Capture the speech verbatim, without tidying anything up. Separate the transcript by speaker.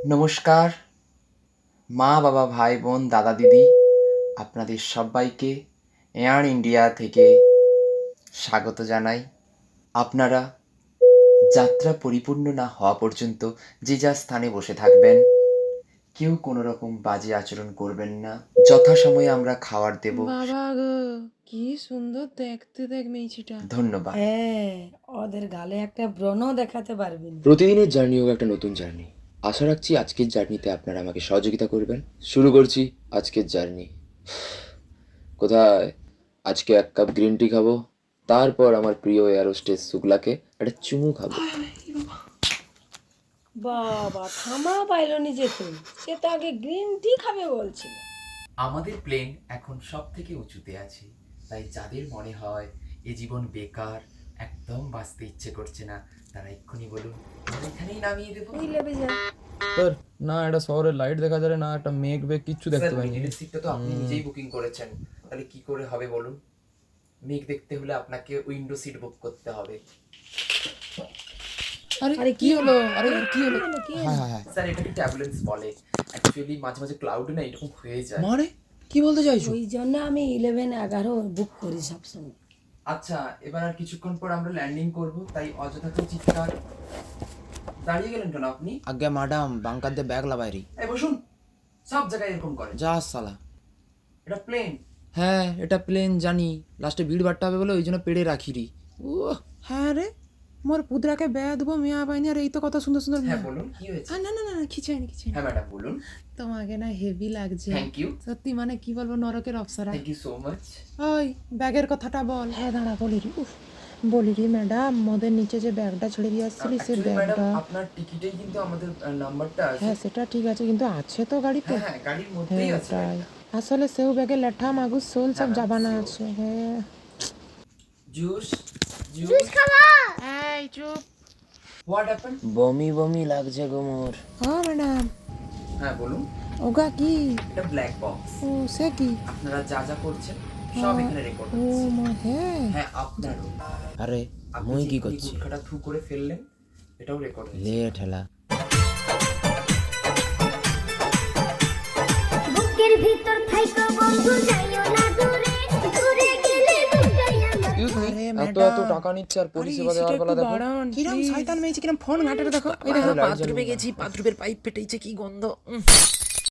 Speaker 1: নমস্কার মা বাবা ভাই বোন দাদা দিদি আপনাদের সবাইকে এয়ার ইন্ডিয়া থেকে স্বাগত জানাই। আপনারা যাত্রা পরিপূর্ণ না হওয়া পর্যন্ত যে যার স্থানে বসে থাকবেন। কেউ কোনো রকম বাজে আচরণ করবেন না। যথাসময়ে আমরা খাবার দেব।
Speaker 2: বাবা গো কি সুন্দর দেখতে দেখ মেয়েছিটা।
Speaker 1: ধন্যবাদ।
Speaker 3: হ্যাঁ, ওদের গালে একটা ব্রণ দেখাতে পারবেন।
Speaker 4: প্রতিদিনের জার্নি হোক একটা নতুন জার্নি। আশা রাখছি আজকের জার্নিতে আপনারা আমাকে সহযোগিতা করবেন। শুরু করছি আজকের জার্নি। কোথায়? আজকে এক কাপ গ্রিন টি খাবো, তারপর আমার প্রিয় এয়ারোস্টেস শুক্লাকে একটা চুমু খাবো।
Speaker 3: বাবা থামা পাইলো নি যে তুমি, সে তো আগে গ্রিন টি খাবে বলছিল।
Speaker 1: আমাদের প্লেন এখন সব থেকে উঁচুতে আছে, তাই যাদের মনে হয় এ জীবন বেকার, একদম বাঁচতে ইচ্ছে করছে না, তারা এক্ষুনি বলুন, আমরা এখানেই নামিয়ে দেবো।
Speaker 3: ওই লেবে যা।
Speaker 5: স্যার না একটা শহরের লাইট দেখা যায় না, একটা মেঘ বেগ কিচ্ছু দেখতে
Speaker 1: স্যার,
Speaker 5: পাইনি।
Speaker 1: মিডিলের সিটটা তো আপনি নিজেই বুকিং করেছেন, তাহলে কি করে হবে বলুন? মেঘ দেখতে হলে আপনাকে উইন্ডো সিট বুক করতে হবে।
Speaker 5: আরে
Speaker 3: আরে
Speaker 5: কি হলো? আরে কি হলো?
Speaker 3: হলো, কি
Speaker 5: হ্যাঁ হ্যাঁ হ্যাঁ
Speaker 1: স্যার, এটাকে ট্যাবুলেন্স বলে। অ্যাকচুয়ালি মাঝে মাঝে ক্লাউড না এরকম হয়ে যায়।
Speaker 5: মানে কি বলতে চাইছো?
Speaker 3: ওই জন্য আমি ইলেভেন এগারো বুক করি সবসময়।
Speaker 1: আচ্ছা, এবার আর কিছুক্ষণ পর আমরা ল্যান্ডিং করব, তাই অযথা তো চিৎকার। দাঁড়িয়ে গেলেন কেন আপনি?
Speaker 5: আজ্ঞা ম্যাডাম, বাঙ্কার দিয়ে ব্যাগ লাবাইরি।
Speaker 1: এই বসুন, সব জায়গায় এরকম করে।
Speaker 5: যা সালা।
Speaker 1: এটা প্লেন।
Speaker 5: হ্যাঁ এটা প্লেন জানি, লাস্টে ভিড় বাট্টা হবে বলে ওই জন্য পেড়ে রাখিরি। ও হ্যাঁ রে, মোর পুদরাকে বেয়া দেবো মেয়া পাইনি, আর এই তো কত সুন্দর সুন্দর
Speaker 1: হ্যাঁ
Speaker 5: মেয়া।
Speaker 1: বলুন, কি হয়েছে?
Speaker 5: আহ, না না না না, কিছু হয়নি কিছু হয়নি।
Speaker 1: হ্যাঁ ম্যাডাম বলুন।
Speaker 5: তোমাকে না হেভি লাগছে।
Speaker 1: Thank you.
Speaker 5: সত্যি মানে কি বলবো, নরকের অপসরা।
Speaker 1: Thank you so much.
Speaker 5: ওই ব্যাগের কথাটা বল। হ্যাঁ দাঁড়া বলি রি। উফ বলি রি ম্যাডাম, মোদের নিচে যে ব্যাগটা ছেড়ে দিয়ে আসছিলি সে
Speaker 1: অ্যাকচুয়ালি ম্যাডাম,
Speaker 5: ব্যাগটা।
Speaker 1: আপনার টিকিটেই কিন্তু আমাদের নাম্বারটা আছে।
Speaker 5: হ্যাঁ সেটা ঠিক আছে, কিন্তু আছে তো গাড়িতে?
Speaker 1: হ্যাঁ হ্যাঁ, গাড়ির মধ্যেই
Speaker 5: হ্যাঁ
Speaker 1: আছে
Speaker 5: তাই
Speaker 1: ব্যাগটা।
Speaker 5: আসলে সেও ব্যাগে লেঠা মাগুর সোল সব
Speaker 1: হ্যাঁ,
Speaker 5: জাবানা
Speaker 1: সেও।
Speaker 5: আছে। হ্যাঁ
Speaker 1: জুস জুস
Speaker 5: এই চুপ।
Speaker 1: What happen?
Speaker 4: বমি বমি লাগছে গো মোর।
Speaker 5: ও ম্যাডাম,
Speaker 1: হ্যাঁ বলুন।
Speaker 5: ওগা কি?
Speaker 1: এটা ব্ল্যাক বক্স।
Speaker 5: ও সে কি?
Speaker 1: আপনারা যা যা করছেন সব এখানে রেকর্ড
Speaker 5: ও
Speaker 1: হচ্ছে।
Speaker 5: মা হ্যাঁ।
Speaker 1: হ্যাঁ আপনারও।
Speaker 4: আরে
Speaker 1: আপনি
Speaker 4: মুই
Speaker 1: যে
Speaker 4: কি
Speaker 1: এক্ষুনি
Speaker 4: করছি?
Speaker 1: গুটখাটা থু করে ফেললেন, এটাও রেকর্ড হচ্ছে।
Speaker 4: লে ঠেলা।
Speaker 6: বুকের ভিতর থাইকো বন্ধু যাইও না দূরে, দূরে গেলে দুটাই আমার।
Speaker 5: আরে
Speaker 4: এত এত টাকা নিচ্ছে আর পরিষেবা দেওয়ার বেলা দেখো।
Speaker 5: কিরম শয়তান মেয়েছে, কিরম ফোন ঘাটে দেখো। এই দেখো বাথরুমে গেছি, বাথরুমের পাইপ ফেটেছে, কি গন্ধ। উম।